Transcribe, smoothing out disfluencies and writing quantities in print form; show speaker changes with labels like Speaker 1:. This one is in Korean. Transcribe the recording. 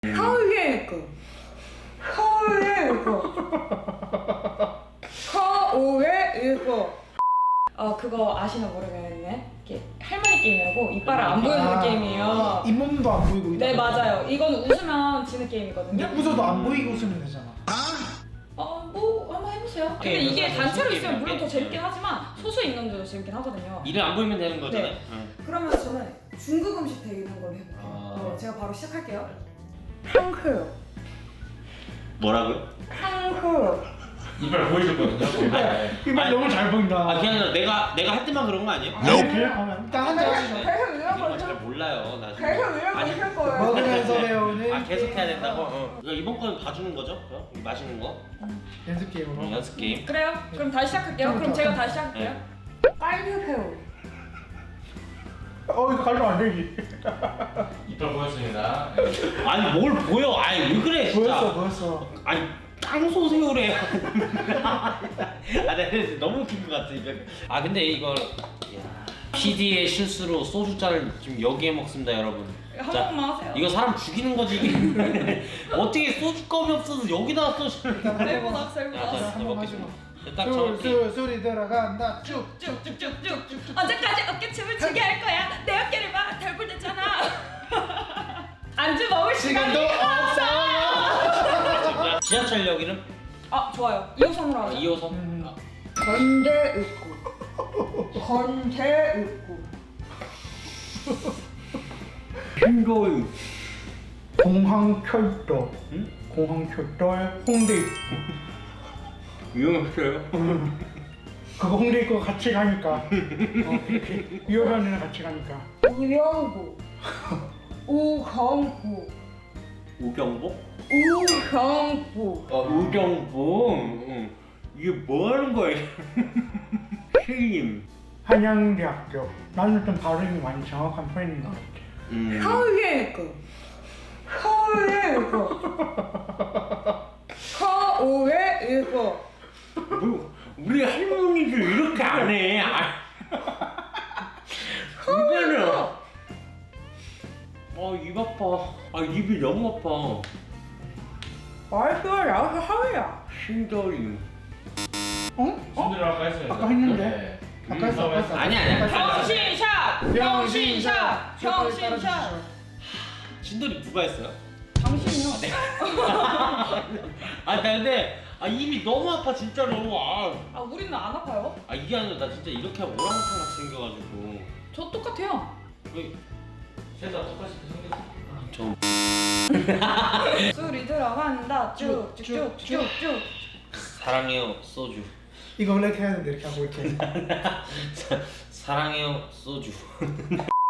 Speaker 1: 하우예고 그거 아시나 모르겠네. 이렇게 할머니 게임이라고 이빨을 안 보여주는 게임이에요.
Speaker 2: 잇몸도 안 보이고.
Speaker 1: 네 맞아요. 이건 웃으면 지는 게임이거든요.
Speaker 2: 근데 웃어도 안 보이고 웃으면 되잖아.
Speaker 1: 뭐 한번 해보세요. 근데
Speaker 3: 게임,
Speaker 1: 이게
Speaker 3: 무슨
Speaker 1: 단체로
Speaker 3: 게임이야,
Speaker 1: 있으면 물론 더
Speaker 3: 게임.
Speaker 1: 재밌긴 하지만 소수 있는데도 재밌긴 하거든요.
Speaker 3: 이를 안 보이면 되는 거잖아요.
Speaker 1: 네.
Speaker 3: 응.
Speaker 1: 그러면 저는 중국 음식 대결하는 걸로 해볼게요. 제가 바로 시작할게요. 탕후루.
Speaker 3: 뭐라고요?
Speaker 1: 탕후루.
Speaker 4: 이빨 보여줬거든요.
Speaker 2: 이말 너무 잘 보인다.
Speaker 3: 아 그게 아니라 내가 할 때만 그런 거 아니에요?
Speaker 2: 그냥 일단 한잔 하시죠.
Speaker 1: 계속 이런
Speaker 3: 이런
Speaker 1: 걸
Speaker 3: 잘 몰라요 나 지금.
Speaker 1: 계속 이런 걸 할 거예요.
Speaker 2: 먹으면서 배우는.
Speaker 3: 아 계속 해야 된다고? 그러니까 이번 거는 봐주는 거죠? 마시는 거?
Speaker 2: 연습 게임으로.
Speaker 3: 연습 게임.
Speaker 1: 그래요? 그럼 다시 시작할게요. 그럼 제가 다시 시작할게요. 깔류새우.
Speaker 2: 이거 가려면 안 되지.
Speaker 4: 이빨 보였습니다.
Speaker 3: 아니 뭘 보여? 아니 왜 그래 진짜.
Speaker 2: 보였어.
Speaker 3: 아니 땅소 새우래. 아 내가 너무 웃긴 것 같아 이거. 아 근데 이걸 PD의 실수로 소주잔을 지금 여기에 먹습니다 여러분.
Speaker 1: 한
Speaker 3: 자,
Speaker 1: 번만 하세요.
Speaker 3: 이거 사람 죽이는 거지 이게. 어떻게 소주껌이 없어서 여기다가 소주를.
Speaker 1: 셀보다
Speaker 3: 자,
Speaker 1: 셀보다.
Speaker 3: 자,
Speaker 2: 한번
Speaker 3: 먹겠습니다. 딱 정확히.
Speaker 2: 술이 들어간다. 쭉.
Speaker 1: 쭉쭉쭉쭉. 언제까지 어깨춤을 추게 할 거야? 내 어깨를 봐. 덜굴댔잖아. 안주 먹을 시간이
Speaker 2: 시간도 없어요.
Speaker 3: 지하철역이름?
Speaker 1: 좋아요. 2호선으로 하죠.
Speaker 3: 2호선? 아,
Speaker 1: 건대읍구.
Speaker 3: 핑거유.
Speaker 2: 공항철도.
Speaker 3: 응?
Speaker 2: 공항철도 홍대.
Speaker 3: 유명했어요?
Speaker 2: 그거 홍대 입고 같이 가니까. 유효변이랑 같이 가니까.
Speaker 1: 우영구. 우경구.
Speaker 3: 우경복?
Speaker 1: 우경구.
Speaker 3: 우경복? 응. 이게 뭐 하는 거야? 신임.
Speaker 2: 한양대학교. 나는 좀 발음이 많이 정확한 편인 것 같아.
Speaker 1: 하우예고.
Speaker 3: 뭐, 우리 할머니도 이렇게 안 해. 이거는. 입 아파. 입이 너무 아파.
Speaker 1: 말투가 나와서 하우야.
Speaker 3: 신저림.
Speaker 4: 손들어 아까 했어요.
Speaker 2: 아까 했는데?
Speaker 4: 네.
Speaker 2: 아까 했어, 아까 했어.
Speaker 3: 아니야.
Speaker 1: 병신샷! 병신샷! 병신샷!
Speaker 3: 진돌이 누가 했어요?
Speaker 1: 당신이요?
Speaker 3: 나 근데 입이 너무 아파 진짜로.
Speaker 1: 우리는 안 아파요.
Speaker 3: 이게 아니라 나 진짜 이렇게 하면 오랑우탄 같이 생겨가지고.
Speaker 1: 저 똑같아요.
Speaker 3: 왜?
Speaker 4: 셋다 똑같이 생겼어.
Speaker 3: 저
Speaker 1: 술이 들어간다. 쭉쭉쭉쭉쭉.
Speaker 3: 사랑해요 소주.
Speaker 2: 이거 원래 이렇게 해야 되는데 이렇게 하고 이렇게.
Speaker 3: 사랑해요 소주.